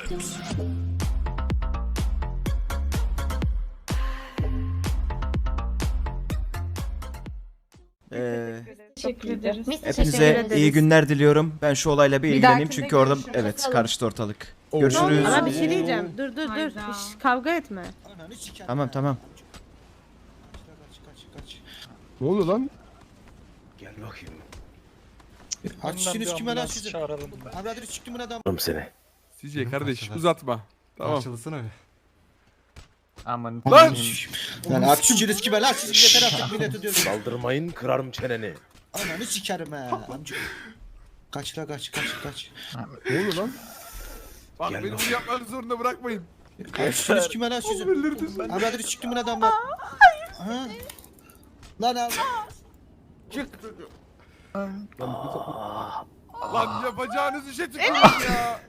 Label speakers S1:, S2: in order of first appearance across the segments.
S1: Teşekkür ederiz.
S2: Hepinize iyi günler diliyorum. Ben şu olayla bir ilgileneyim
S1: dahakinde
S2: çünkü orada
S1: görüşürüz.
S2: karıştı ortalık. Görüşürüz.
S1: Ama bir şey diyeceğim. Dur.
S3: Hayda.
S1: Kavga etme.
S2: Tamam.
S4: Ne oluyor lan?
S5: Gel bakayım.
S6: Açsınız kime lan sizin? Abi çıktım buna adam.
S5: Seni.
S4: CJ kardeş uzatma. Tamam.
S7: Parçalasın öyle.
S8: Aman.
S4: Lan!
S6: Lan açsınız kime lan siz yeter artık milleti diyorsun.
S5: Saldırmayın, kırarım çeneni.
S6: Ananı sikerim he amca. Kaç la kaç.
S4: Ne oluyor lan? Bak
S5: Gel
S4: beni
S5: lan.
S4: bunu yapmak zorunda bırakmayın.
S6: Açsınız kime lan sizin? Abi çıktım buna adamlar. Ha? Lan abi.
S4: Çık. Lan yapacağınız işe tükürün ya.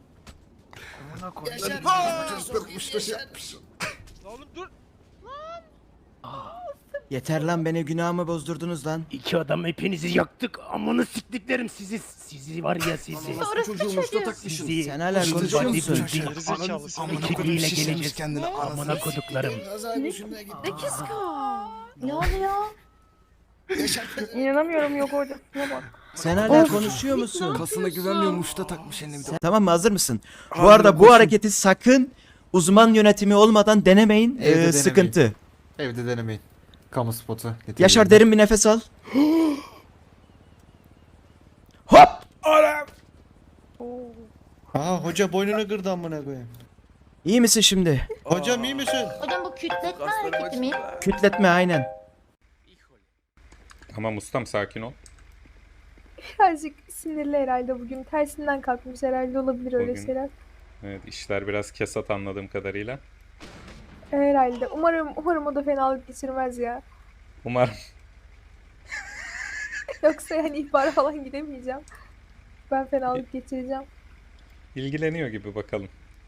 S6: Oğlum dur.
S2: Yeter lan, beni günahımı bozdurdunuz lan.
S5: İki adam hepinizi yaktık. Amını siktiklerim sizi. Sizi var ya sizi. Sizi.
S2: Sen hala konuşuyor musun?
S5: Ekibiyle geleceğiz. Amına koduklarım.
S3: Ne oluyor? İnanamıyorum yok orada. Şuna bak.
S2: Sen hala konuşuyor musun?
S7: Kasına güvenmiyor, muşta takmış eline bir de.
S2: Tamam mı, hazır mısın? Bu arada bu hareketi sakın uzman yönetimi olmadan denemeyin.
S7: Evde denemeyin.
S2: Sıkıntı.
S7: Evde denemeyin. Kamu spotu.
S2: Yaşar, derin bir nefes al. Hop!
S6: Aa hoca boynunu kırdı amına koyayım.
S2: İyi misin şimdi?
S6: Hocam iyi misin?
S3: Hocam bu kütletme hareketi mi?
S2: Kütletme, aynen.
S9: Tamam ustam, sakin ol.
S10: Birazcık sinirli herhalde bugün. Tersinden kalkmış herhalde, olabilir öyle
S9: Bugün-
S10: şeyler.
S9: Evet, işler biraz kesat anladığım kadarıyla.
S10: Herhalde. Umarım o da fenalık geçirmez ya.
S9: Umarım.
S10: Yoksa yani ihbara falan gidemeyeceğim. Ben fenalık geçireceğim.
S9: ilgileniyor gibi, bakalım.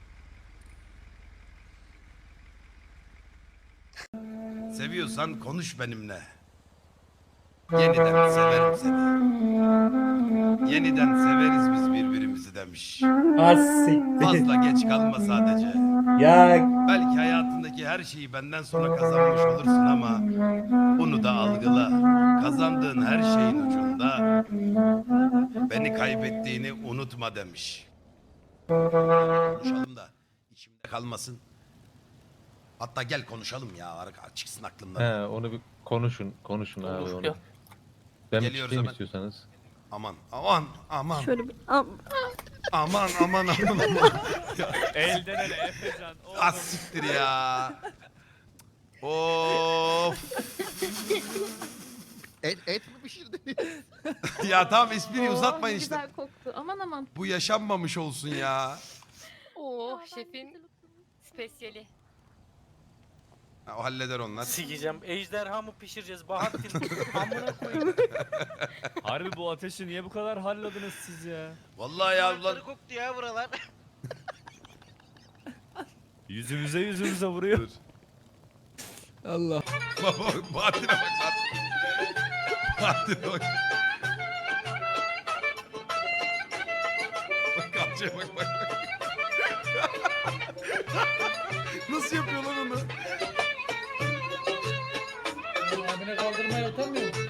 S6: Seviyorsan konuş benimle. Yeniden severim seni. Yeniden severiz biz birbirimizi demiş. Fazla geç kalma sadece. Belki hayatındaki her şeyi benden sonra kazanmış olursun ama bunu da algıla. Kazandığın her şeyin ucunda beni kaybettiğini unutma demiş. Konuşalım da içimde kalmasın. Hatta gel konuşalım ya, çıksın aklımdan.
S8: He, onu bir konuşun abi onu. Ben bir
S6: Geliyoruz
S8: çıkayım
S6: hemen.
S8: istiyorsanız.
S6: Aman.
S1: Şöyle bir...
S6: Aman.
S8: Elden ele Efecan.
S6: Az siktir ya. Of.
S7: Et mi pişirdin?
S6: Ya tamam, espriyi uzatmayın işte.
S3: Güzel koktu. Aman.
S6: Bu yaşanmamış olsun ya.
S3: Oh şefin spesiyeli.
S6: Ha, o halleder onlar.
S8: Sikeceğim. Ejderha mı pişireceğiz Bahattin? Amına koyayım. Harbi bu ateşi niye bu kadar halladınız siz ya?
S6: Vallahi ya ulan.
S8: koktu ya buralar. Yüzümüze vuruyor.
S7: Allah.
S6: Baba Bahattin'e bak. Bahattin'e bak. Bak kalçaya bak. Nasıl yapıyor lan onu?
S8: Abine kaldırmaya utanmıyor musun?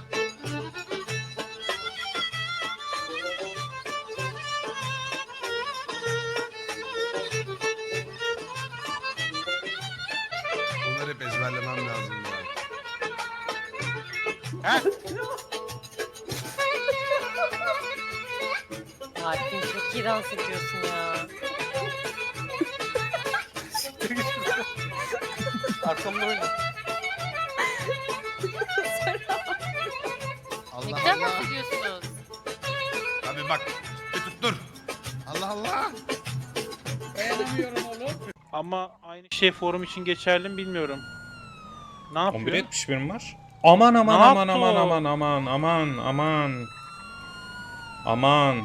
S6: Bunları hep ezberlemem lazım ya.
S3: Bahattin çok iyi dans ediyorsun ya.
S8: Arkamda oyna.
S3: Ne güzel dans ediyorsunuz.
S6: Abi bak. Dur. Allah.
S8: Dayanamıyorum oğlum. Ama aynı şey forum için geçerli mi bilmiyorum. Ne yapıyor?
S9: 11.71 mi var? Aman.
S8: Ne yaptı
S9: Aman.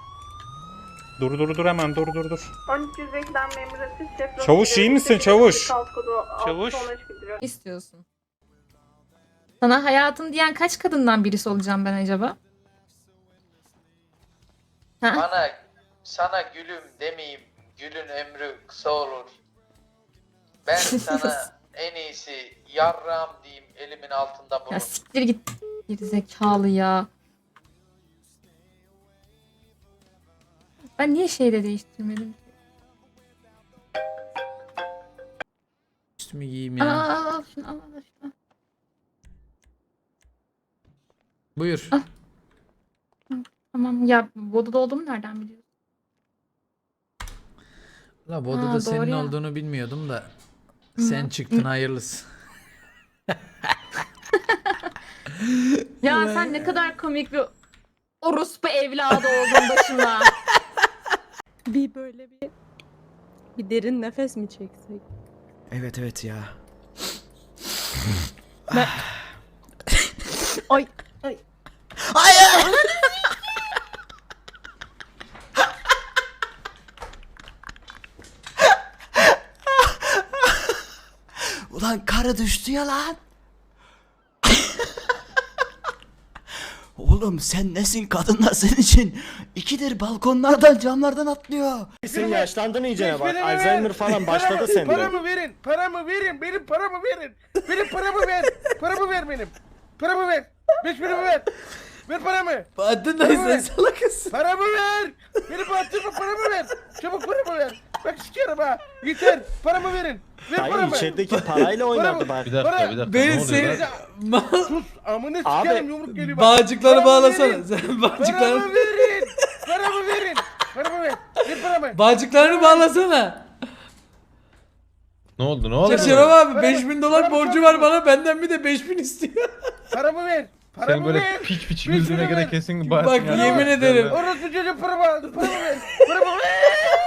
S9: Dur hemen dur.
S10: 1300 reklam memurası şef.
S9: Çavuş, iyi misin çavuş?
S8: Çavuş.
S3: İstiyorsun. Sana hayatım diyen kaç kadından birisi olacağım ben acaba?
S8: Sana gülüm demeyeyim.
S11: Gülün ömrü kısa olur. Ben sana en iyisi yarram diyeyim elimin altında bulun.
S3: Ya siktir git. Geri zekalı ya. Ben niye şeyde değiştirmedim?
S2: Üstümü giyeyim
S3: Aa,
S2: ya.
S3: al şunu al şunu.
S2: Buyur.
S3: Tamam ya Voda'da olduğumu nereden biliyorsun?
S2: La
S3: Ha,
S2: odada
S3: doğru
S2: senin
S3: ya.
S2: olduğunu bilmiyordum da. Sen çıktın hayırlısı.
S3: Ya sen ne kadar komik bir orospu evladı oldun başıma.
S1: Bir böyle bir derin nefes mi çeksek?
S2: Evet evet ya.
S1: Ay.
S2: Hayır! Ulan karı düştü ya lan. Oğlum sen nesin, kadınlar senin için ikidir balkonlardan camlardan atlıyor.
S5: Sen yaşlandın iyice bak.
S4: Benim
S5: Alzheimer falan başladı sende.
S4: Paramı verin. Paramı verin. Benim paramı verin. Benim paramı ver. Paramı ver benim. Paramı ver. 5 paramı ver. Ver paramı.
S2: Bahattin
S4: Paramı
S2: sen
S4: ver.
S2: salakısın.
S4: Paramı ver. Benim bahtırma paramı ver. Çabuk paramı ver. Bak sikerim ha. Yeter. Paramı verin. Ver
S5: Dayı
S4: paramı.
S5: içerideki parayla oynadı bak.
S8: Bir dakika.
S2: Beni seni...
S4: Sus. Amına
S5: Abi,
S4: sikerim yumruk geliyor bak.
S2: Bağcıkları
S4: Paramı
S2: bağlasana.
S4: verin.
S2: Sen
S4: Paramı verin. Paramı verin. Paramı ver. Ver paramı.
S2: Bağcıklarını bağlasana.
S8: Ne oldu?
S2: Şeref abi
S4: Paramı-
S2: 5000 dolar
S4: paramı
S2: borcu
S4: çabuk
S2: var
S4: ver.
S2: bana, benden bir de 5000 istiyor.
S4: Paramı ver. Paramı ver.
S8: piç
S4: güldüğüne göre
S8: kesin
S2: Bak yemin ederim.
S4: Orospu çocuğu paramı aldı. Paramı ver. Paramı ver.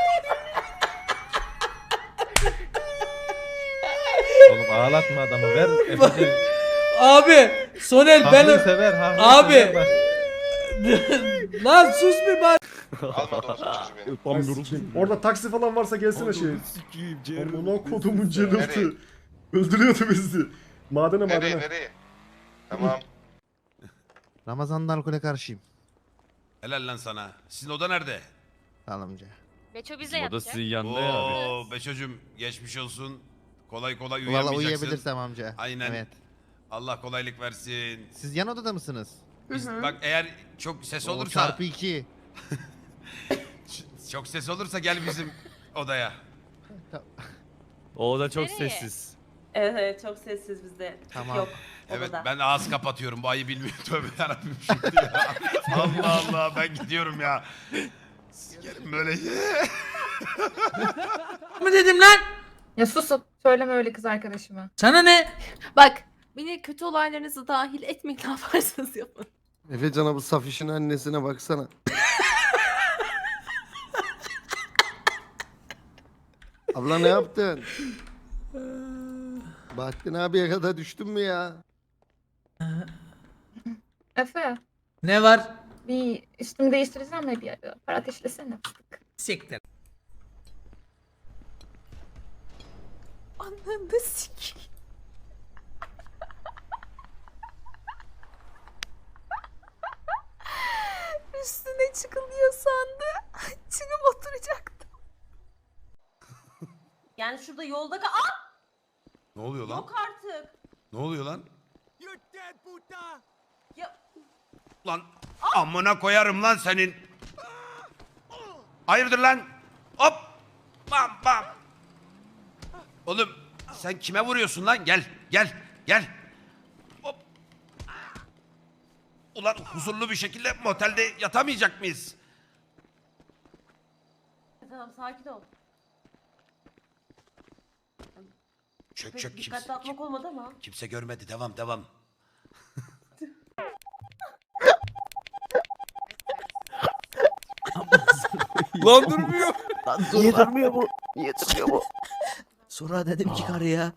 S8: Oğlum ağlatma adamı ver.
S2: Abi Sonel ben...
S8: sever.
S2: Abi. Lan sus bir bak.
S5: Orada taksi falan varsa gelsene şey. Amına kodumun cenazı. Öldürüyordu bizi. Madene.
S11: Nereye? Tamam.
S7: Ramazan'da alkole karşıyım.
S6: Helal lan sana. Sizin oda nerede?
S7: Sağlamca.
S12: Beço bize yapacak.
S8: yanında ya abi.
S6: Oo Beço'cum geçmiş olsun. Kolay
S7: Valla
S6: uyuyamayacaksın.
S7: uyuyabilirsem amca.
S6: Aynen.
S7: Evet.
S6: Allah kolaylık versin.
S7: Siz yan odada mısınız?
S6: Bak eğer çok ses
S7: O
S6: olursa
S7: çarpı 2.
S6: çok ses olursa gel bizim odaya.
S8: O da çok
S12: Nereye?
S8: sessiz.
S12: Evet çok sessiz bizde.
S7: Tamam.
S12: Yok.
S6: Evet
S12: odada.
S6: ben ağız kapatıyorum. Bu ayı bilmiyorum. Tövbe yarabbim şimdi ya. Allah Allah ben gidiyorum ya. Sikerim böyle.
S2: Mı dedim lan?
S3: Ya susun. Söyleme öyle kız arkadaşıma.
S2: Sana ne?
S12: Bak beni kötü olaylarınızı dahil etmeyin ne yaparsanız yapın.
S7: Efecan'a bu Safiş'in annesine baksana. Abla ne yaptın? Bahattin abiye kadar düştün mü ya?
S3: Efe
S2: Ne var?
S3: bir üstümü değiştireceğim de bir para ateşlesene.
S2: Siktir.
S12: Ananı sikeyim. Üstüne çıkılıyor sandı. Çıkıp oturacaktım. Yani şurada yolda
S6: Ne oluyor lan?
S12: yok artık.
S6: Ne oluyor lan?
S12: Ya
S6: Lan amına koyarım lan senin. Hayırdır lan? Hop. Bam bam. Oğlum sen kime vuruyorsun lan? Gel. Hop. Ulan huzurlu bir şekilde motelde yatamayacak mıyız?
S12: tamam sakin ol.
S6: Çök
S12: Pek
S6: çök
S12: dikkatli atmak olmadı ama.
S6: kimse görmedi. Devam.
S4: Lan durmuyor.
S5: Niye durmuyor bu? Niye durmuyor bu?
S2: Sonra dedim ki karıya.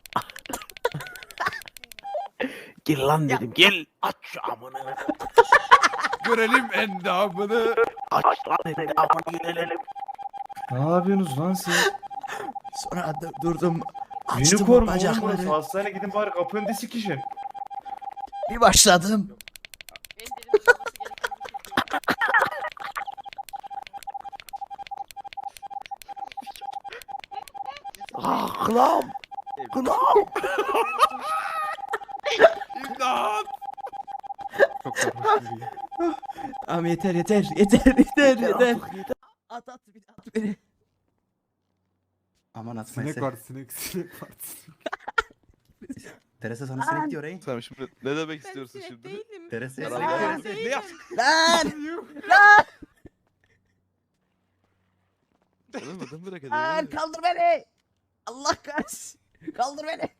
S5: Gel lan dedim gel. Aç şu amını.
S4: Görelim endamını.
S5: Aç lan dedim amını gelelim. Ne yapıyorsunuz lan siz?
S2: Sonra durdum. Açtım o bacakları.
S5: Hastaneye gidin bari kapının disi kişi.
S2: Bir başladım.
S4: Kulağım. Kulağım.
S6: İmdat.
S4: Çok sarhoş biri.
S2: Abi yeter yeter yeter yeter yeter. At beni.
S4: Aman atma. Sinek var sinek var.
S2: Teresa sana sinek diyor ey.
S6: Sen şimdi ne demek istiyorsun şimdi?
S1: Değilim.
S2: Teresa
S6: Ne yaptın?
S2: Lan!
S6: Adam bırak
S2: Lan kaldır beni. Allah kahretsin. Kaldır beni.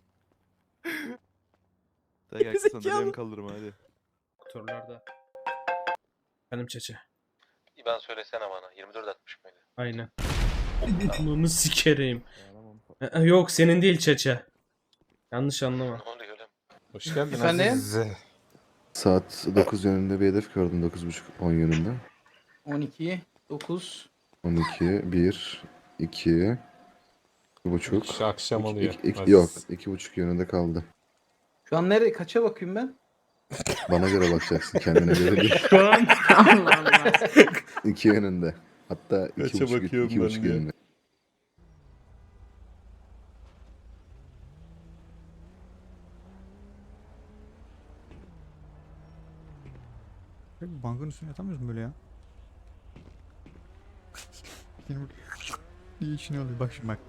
S6: Gel
S2: Gerizekalı.
S6: sana benim kaldırma hadi.
S4: Doktorlarda. Benim çeçe.
S11: İban söylesene bana. 24.60 mıydı?
S4: Aynen. Bunu sikerim. Yok senin değil çeçe. Yanlış anlama.
S11: Ne oluyor lan?
S9: Hoş geldin
S4: Efendim?
S7: Saat 9 yönünde bir hedef gördüm. 9.30-10 yönünde.
S4: 12, 9.
S7: 12, 1, 2, 1.5.
S9: Akşam oluyor.
S7: Yok 2.5 yönünde kaldı.
S4: Şu an nereye? Kaça bakayım ben?
S7: Bana göre bakacaksın kendine göre değil.
S4: Şu an.
S1: Allah Allah.
S7: 2 yönünde. Hatta
S9: Kaça
S7: 2.5
S9: bakıyorum ben
S7: 2.5
S9: de?
S7: yönünde.
S5: Bankın üstüne yatamıyoruz mu böyle ya? Benim iyi işini alıyor. Bak şimdi bak.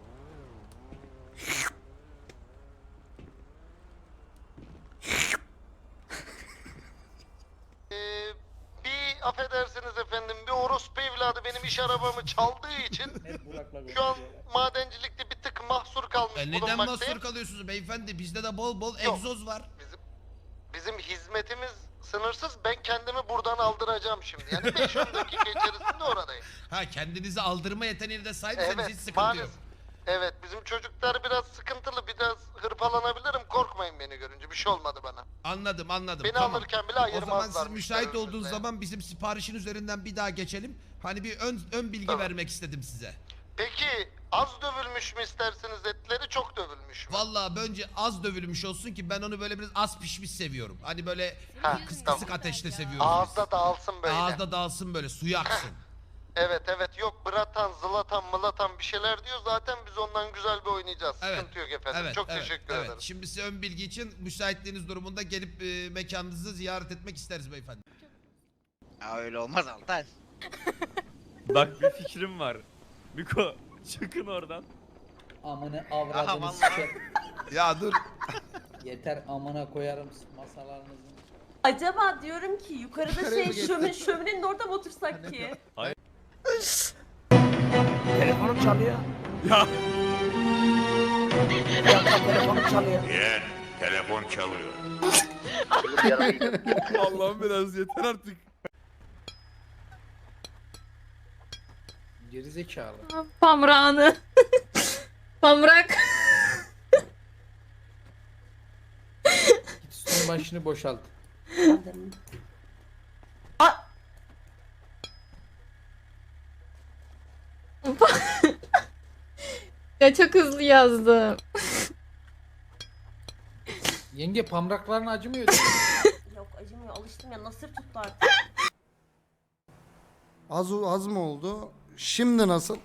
S7: Bir affedersiniz efendim, bir orospu evladı benim iş arabamı çaldığı için şu an madencilikte bir tık mahsur kalmış
S6: Neden
S7: bulunmaktayım.
S6: mahsur kalıyorsunuz beyefendi? Bizde de bol bol
S7: Yok.
S6: egzoz var.
S7: Bizim hizmetimiz sınırsız. Ben kendimi buradan aldıracağım şimdi. Yani 5-10 dakika içerisinde oradayım.
S6: Ha kendinizi aldırma yeteneğine de sahipseniz hiç
S7: Evet,
S6: sıkıntı
S7: maalesef.
S6: yok.
S7: Evet, bizim çocuklar biraz sıkıntılı, biraz hırpalanabilirim. Korkmayın beni görünce. Bir şey olmadı bana.
S6: Anladım.
S7: Beni
S6: Tamam.
S7: alırken bile
S6: O
S7: ayırmazlar.
S6: zaman siz müsait
S7: müşteri
S6: olduğunuz
S7: önünde.
S6: zaman bizim siparişin üzerinden bir daha geçelim. Hani bir ön bilgi
S7: Tamam.
S6: vermek istedim size.
S7: Peki az dövülmüş mü isterseniz etleri, çok dövülmüş mü?
S6: Vallahi bence az dövülmüş olsun ki ben onu böyle biraz az pişmiş seviyorum. Hani böyle
S7: Ha,
S6: kısık
S7: tamam.
S6: ateşte seviyoruz.
S7: Ağızda dağılsın böyle.
S6: Ağızda dağılsın böyle suyu aksın.
S7: Evet yok bratan, zlatan, mılatan bir şeyler diyor. Zaten biz ondan güzel bir oynayacağız.
S6: Evet.
S7: Sıkıntı yok efendim. Çok teşekkür ederim.
S6: Şimdi size ön bilgi için müsaitliğiniz durumunda gelip mekanınızı ziyaret etmek isteriz beyefendi.
S11: Ya öyle olmaz Altan.
S8: Bak bir fikrim var. Miko çıkın oradan.
S11: Amına avradını siker.
S6: Ya dur.
S11: Yeter amına koyarım masalarınızı.
S12: Acaba diyorum ki yukarıda şöminenin orada mı otursak ki?
S4: Telefonum çalıyor.
S8: Ya.
S4: Telefonum çalıyor.
S6: Telefon çalıyor. Allah'ım biraz yeter artık.
S4: Gerizekalı.
S3: Pamrağını. Pamrak.
S4: Git üstünün başını boşalt.
S3: Ya çok hızlı yazdım.
S4: Yenge pamrakların acımıyor.
S12: Yok acımıyor alıştım ya nasır tuttu artık.
S7: Az mı oldu? Şimdi nasıl?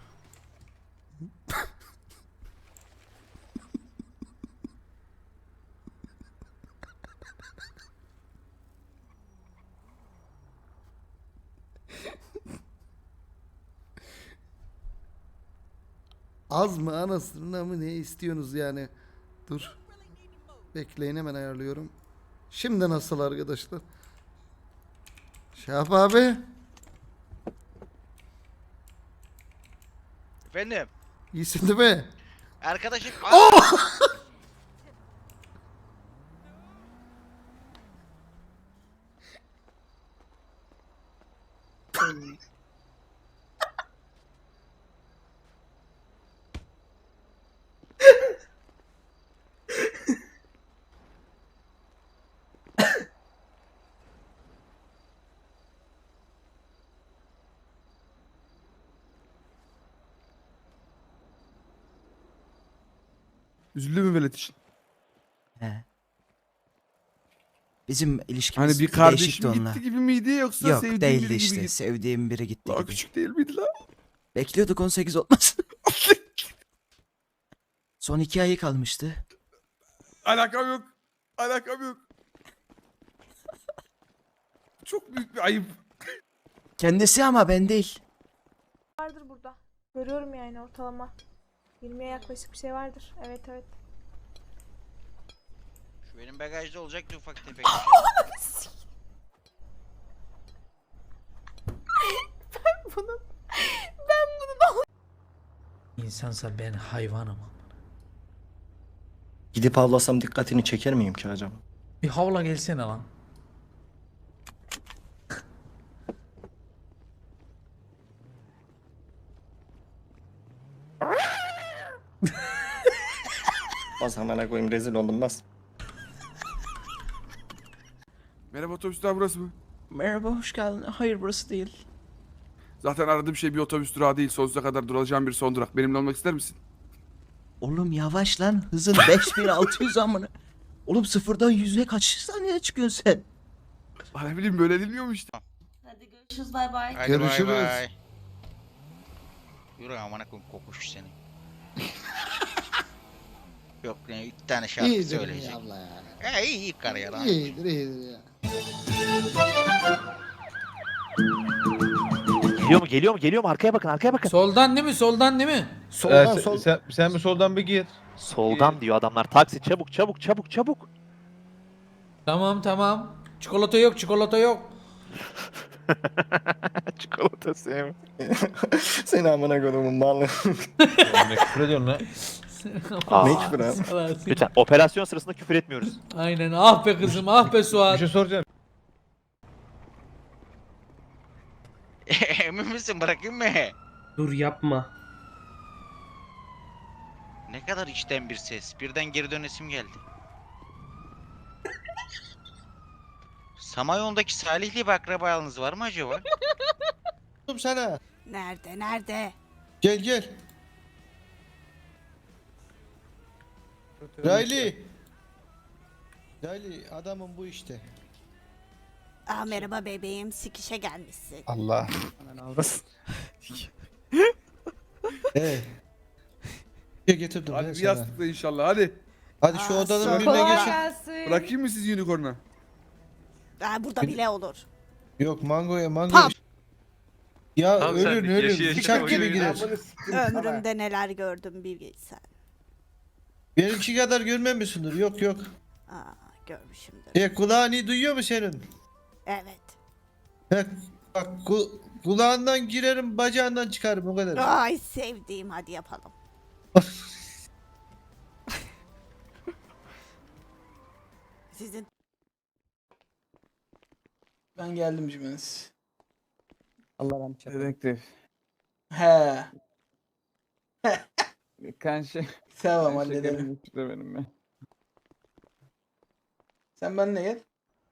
S7: Az mı anasını mı ne istiyorsunuz yani? Dur. Bekleyin hemen ayarlıyorum. Şimdi nasıl arkadaşlar? Şahap abi.
S11: Efendim
S7: İyisin değil mi?
S11: arkadaşım.
S4: Üzüldü mü velet için?
S2: He. Bizim ilişkimiz
S4: Hani bir
S2: değişikti
S4: kardeşim
S2: onunla.
S4: gitti gibi miydi yoksa
S2: Yok
S4: sevdiğin
S2: değildi
S4: biri
S2: işte.
S4: gibi gitti?
S2: Sevdiğim biri gitti
S4: Daha
S2: gibi.
S4: küçük değil miydi lan?
S2: Bekliyorduk 18 olmasın. Son 2 ayı kalmıştı.
S4: Alakam yok. Alakam yok. Çok büyük bir ayıp.
S2: Kendisi ama ben değil.
S10: Vardır burada. Görüyorum yani ortalama. 20'ye yaklaşık bir şey vardır. Evet evet.
S11: Şu benim bagajda olacaktı ufak tefek.
S8: İnsansa ben hayvanım.
S2: Gidip avlasam dikkatini çeker miyim ki acaba?
S8: Bir havla gelsene lan.
S2: Bas hemen koyayım, rezil oldum bas.
S4: Merhaba, otobüs durağı burası mı?
S2: Merhaba, hoş geldin. Hayır, burası değil.
S4: Zaten aradığım şey bir otobüs durağı değil. Sonsuza kadar duracağım bir son durak. Benimle olmak ister misin?
S2: Oğlum yavaş lan, hızın 5600 amına. Oğlum sıfırdan 100'e kaç saniyede çıkıyorsun sen?
S4: Ne bileyim, böyle dinliyorum işte.
S12: Hadi görüşürüz bay bay.
S11: Hadi
S5: Görüşürüz.
S11: bay bay. Yürü amına koyayım kokuş seni. Yok ne 3 tane şarkı söyleyecek.
S5: abla ya.
S11: İyi kar ya lan.
S5: İyidir ya.
S8: Geliyor mu? Arkaya bakın.
S9: Soldan değil mi? Soldan değil mi?
S5: Soldan sol. Sen mi soldan bir gir.
S8: Soldan diyor adamlar. Taksi çabuk.
S9: Tamam. Çikolata yok.
S8: Çikolata sevim.
S2: Seni amına koyduğumun malı.
S5: Ne küfür ediyorsun lan?
S2: Ne küfür abi?
S8: Lütfen operasyon sırasında küfür etmiyoruz.
S9: Aynen. Ah be kızım, ah be
S5: Bir
S9: Suat.
S5: şey soracağım.
S11: Emin misin bırakayım mı?
S8: Dur yapma.
S11: Ne kadar içten bir ses. Birden geri dönesim geldi. Samanyolu'ndaki Salihli bir akrabalığınız var mı acaba?
S5: Sana.
S12: Nerede?
S5: Gel. Riley adamın bu işte.
S12: Merhaba bebeğim, sikişe gelmişsin.
S5: Allah. Getirdim
S4: Hadi bir yastıkla inşallah, hadi.
S5: Hadi şu odanın birine
S10: Kolay
S5: geçin.
S10: gelsin.
S4: Bırakayım mı sizi unicorn'a?
S12: Burada bile olur.
S5: Yok mango.
S12: Tam.
S5: Ya ölür. Bıçak gibi girer.
S12: Ömrümde neler gördüm bir bilsen.
S5: Benimki kadar görmemişsindir. Yok.
S12: Görmüşümdür.
S5: Kulağın iyi duyuyor mu senin?
S12: Evet.
S5: Bak kulağından girerim, bacağından çıkarım o kadar.
S12: Ay sevdiğim, hadi yapalım. Sizin
S8: Ben geldim Cümeniz.
S13: Allah rahmet eylesin.
S8: Dedektif.
S13: He.
S8: Kanşı.
S13: Tamam halledelim.
S8: Benim ya.
S13: Sen benimle gel.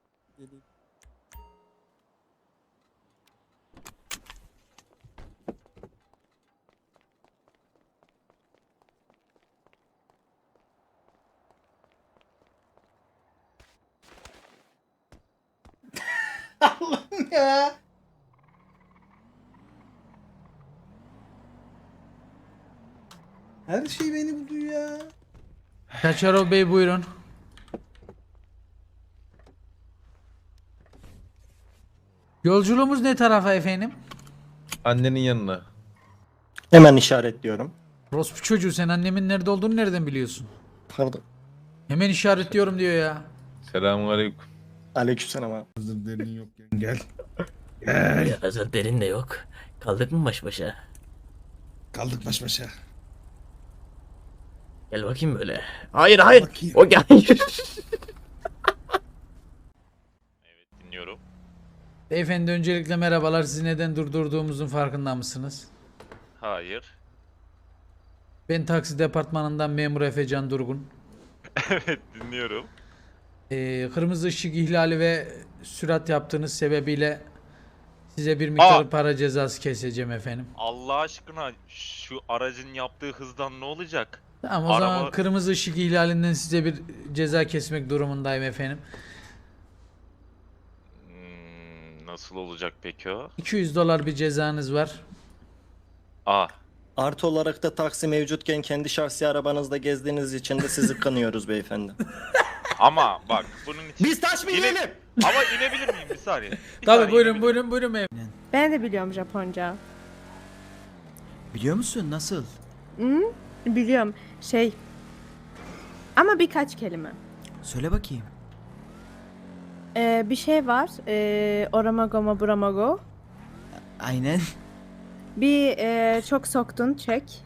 S13: Allah'ım ya. Her şey beni buluyor ya.
S9: Kaçarov Bey buyurun. Yolculuğumuz ne tarafa efendim?
S5: Annenin yanına.
S2: Hemen işaretliyorum.
S9: Rospu çocuğu, sen annemin nerede olduğunu nereden biliyorsun?
S2: Pardon.
S9: Hemen işaretliyorum diyor ya.
S5: Selamünaleyküm.
S2: Aleykümselam abi.
S5: Hazır derin yok. Gel.
S8: Hazır derin de yok. Kaldık mı baş başa?
S5: Kaldık baş başa.
S8: Gel bakayım böyle. Hayır. O gel. Evet dinliyorum.
S9: Beyefendi öncelikle merhabalar. Sizi neden durdurduğumuzun farkında mısınız?
S8: Hayır.
S9: Ben taksi departmanından memur Efecan Durgun.
S8: Evet dinliyorum.
S9: Kırmızı ışık ihlali ve sürat yaptığınız sebebiyle size bir miktar para cezası keseceğim efendim.
S8: Allah aşkına şu aracın yaptığı hızdan ne olacak?
S9: Tamam o zaman kırmızı ışık ihlalinden size bir ceza kesmek durumundayım efendim.
S8: Nasıl olacak peki o?
S9: $200 bir cezanız var.
S14: Artı olarak da taksi mevcutken kendi şahsi arabanızda gezdiğiniz için de sizi kınıyoruz beyefendi.
S8: Ama bak bunun için...
S14: Biz taş mı yiyelim?
S8: Ama inebilir miyim bir saniye?
S9: Tabii buyurun beyefendi.
S1: Ben de biliyorum Japonca.
S2: Biliyor musun nasıl?
S1: Hı? Biliyorum. Ama birkaç kelime.
S2: Söyle bakayım.
S1: Bir şey var. Oramago mo buramago.
S2: Aynen.
S1: Bir çok soktun çek.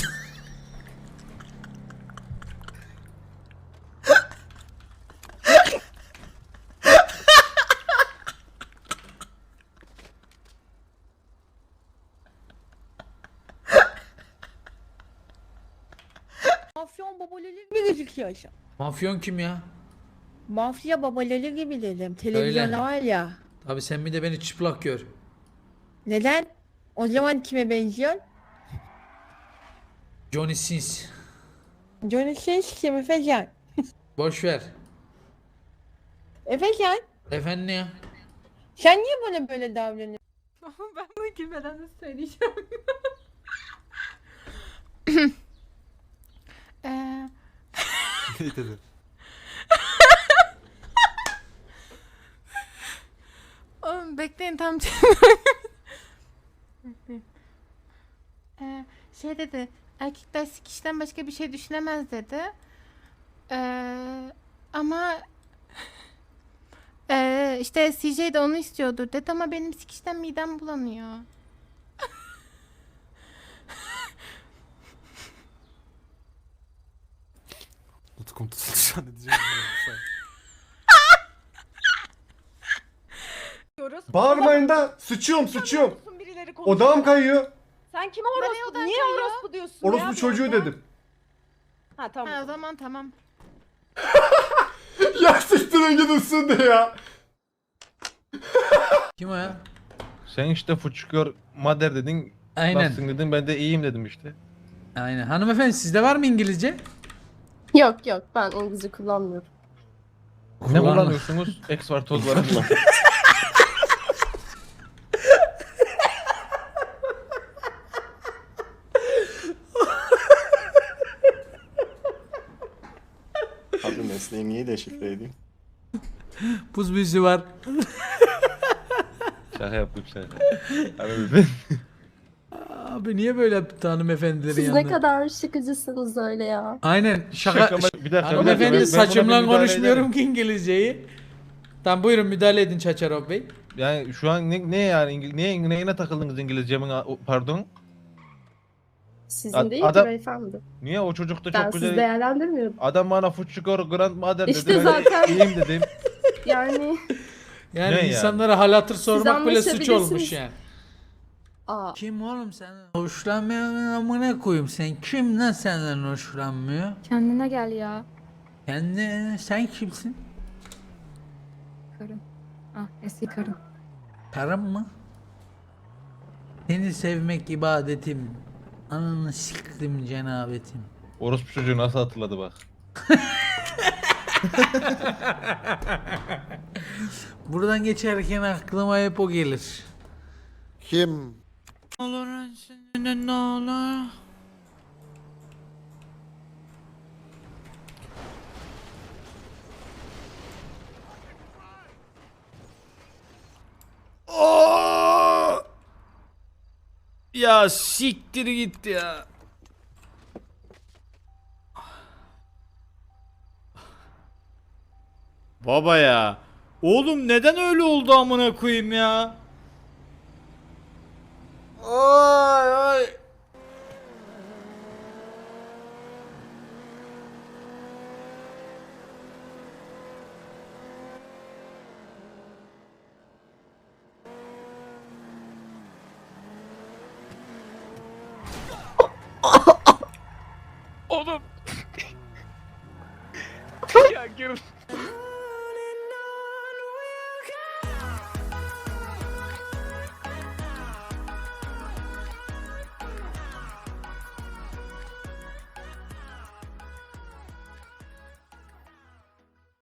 S12: Mafyon babaları gibi gözüküyorsun.
S9: Mafyon kim ya?
S12: Mafya babaları gibi dedim.
S9: Öyle.
S12: Televizyonda var ya.
S9: Tabii sen bir de beni çıplak gör.
S12: Neden? O zaman kime benziyor?
S9: Johnny Sins.
S12: Johnny Sins kim Efecan?
S9: Boş ver.
S12: Efecan
S9: Efendim ya?
S12: sen niye bana böyle davranıyorsun?
S10: Ben bunu girmeden nasıl söyleyeceğim?
S5: Ne dedi?
S10: Oğlum bekleyin tam şey dedi, erkekler sikişten başka bir şey düşünemez dedi. Ama işte CJ de onu istiyordur dedi ama benim sikişten midem bulanıyor.
S5: Utkum tutuldu şu an ne diyeceğim bilmiyorum. Bağırmayın da sıçıyorum. Odağım kayıyor.
S12: Sen kime orospu? Niye orospu diyorsun
S5: Orospu çocuğu dedim.
S12: Ha tamam.
S10: Ha, o zaman tamam.
S5: Ya siktirin gidin sizin de ya.
S9: Kim o ya?
S8: Sen işte fuçukör mader dedin.
S9: Aynen.
S8: Nasılsın dedin ben de iyiyim dedim işte.
S9: Aynen. Hanımefendi sizde var mı İngilizce?
S12: Yok ben İngilizce kullanmıyorum.
S8: Ne kullanıyorsunuz? X var toz var.
S14: Abi mesleğimi niye deşifre edeyim?
S9: Buz büyüsü var.
S8: Şaka yaptım şaka. Abi
S9: Abi niye böyle yaptı hanımefendilerin yanında?
S12: kadar şıkıcısınız öyle ya.
S9: Aynen şaka.
S8: bir dakika.
S9: Hanımefendi
S8: ben buna
S9: saçımla
S8: bir müdahale
S9: konuşmuyorum
S8: ederim.
S9: ki İngilizceyi. Tamam buyurun müdahale edin Çaçarov Bey.
S8: Yani şu an ne yani neyine takıldınız İngilizcemin pardon?
S12: Sizin
S8: değil ki adam-
S12: beyefendi.
S8: Niye o çocuk da çok güzel.
S12: değerlendirmiyorum.
S8: Adam bana fuçukör grandmother dedi.
S12: İşte
S8: ben de
S12: zaten-
S8: iyiyim dedim.
S12: Yani
S9: Yani
S8: Ne yani?
S9: insanlara hal hatır sormak bile suç
S12: anlaşabilirsiniz.
S9: olmuş yani.
S12: aa
S9: Kim oğlum sen? Hoşlanmıyor amına koyayım sen. Kim lan senden hoşlanmıyor?
S10: Kendine gel ya.
S9: Sen kimsin?
S10: Karın. Ah eski karın.
S9: Karım mı? Seni sevmek ibadetim. Ananı siktim cenabetim.
S8: Orospu çocuğu nasıl hatırladı bak.
S9: Buradan geçerken aklıma hep o gelir.
S14: Kim?
S9: Olur ne olur. Ya siktir git ya. Baba ya. Oğlum neden öyle oldu amına koyayım ya? Ay ay.
S8: Oğlum